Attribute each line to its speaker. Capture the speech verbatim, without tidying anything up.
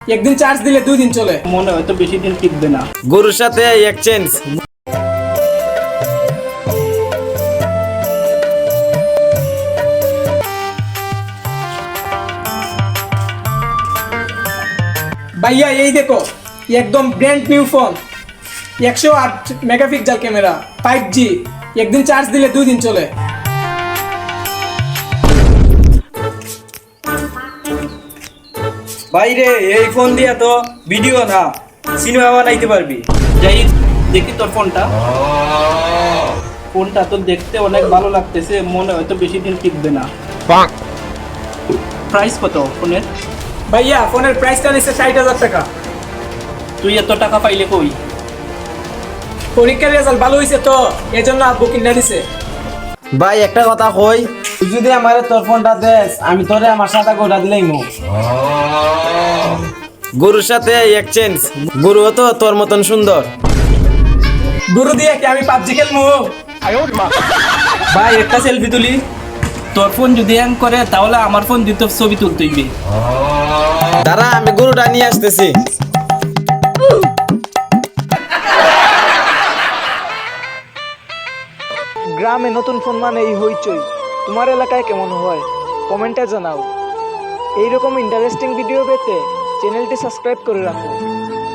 Speaker 1: একদিন চার্জ দিলে দুই দিন চলে।
Speaker 2: মনে হয়তো বেশি দিন টিকবে না।
Speaker 3: গরুর সাথে এক্সচেঞ্জ।
Speaker 1: ভাইয়া এই দেখো, একদম ব্র্যান্ড নিউ ফোন, একশো আট মেগাপিক্সেল ক্যামেরা, ফাইভ জি, একদিন চার্জ দিলে দুই দিন চলে।
Speaker 4: বাইরে এই ফোন দিয়া তো ভিডিও না সিনেমা বানাইতে পারবি।
Speaker 2: যাই দেখি তোর ফোনটা। ফোনটা তো দেখতে অনেক ভালো লাগতেছে, মনে হয়তো বেশি দিন টিকবে না। প্রাইস কত ফোনের?
Speaker 1: ভাইয়া ফোনের প্রাইসটা নিচ্ছে ষাট হাজার টাকা।
Speaker 2: তুই এত টাকা পাইলে কই?
Speaker 1: পরীক্ষার রেজাল্ট ভালো হয়েছে তো এই জন্য আব্বু কিনা দিছে।
Speaker 3: ভাই একটা কথা কই, তুই যদি আমার তোর ফোনটা দেস আমি তোরে আমার সাথে গোটা দিলাই মো। গরুর সাথে এক্সচেঞ্জ। গরু তো তোর মতন সুন্দর।
Speaker 1: গুরু দিয়ে কি আমি পাবজি খেলবো?
Speaker 2: ভাই একটা সেলফি তুলি। তোর ফোন যদি হ্যাং করে তাহলে আমার ফোন দিয়ে তোর ছবি তুলতে হইবে।
Speaker 3: দাঁড়া আমি গরুটা নিয়ে আসতেছি।
Speaker 5: গ্রামে নতুন ফোন মানে এই হইচই। তোমার এলাকায় কেমন হয় কমেন্টে জানাও। এইরকম ইন্টারেস্টিং ভিডিও পেতে চ্যানেলটি সাবস্ক্রাইব করে রাখো।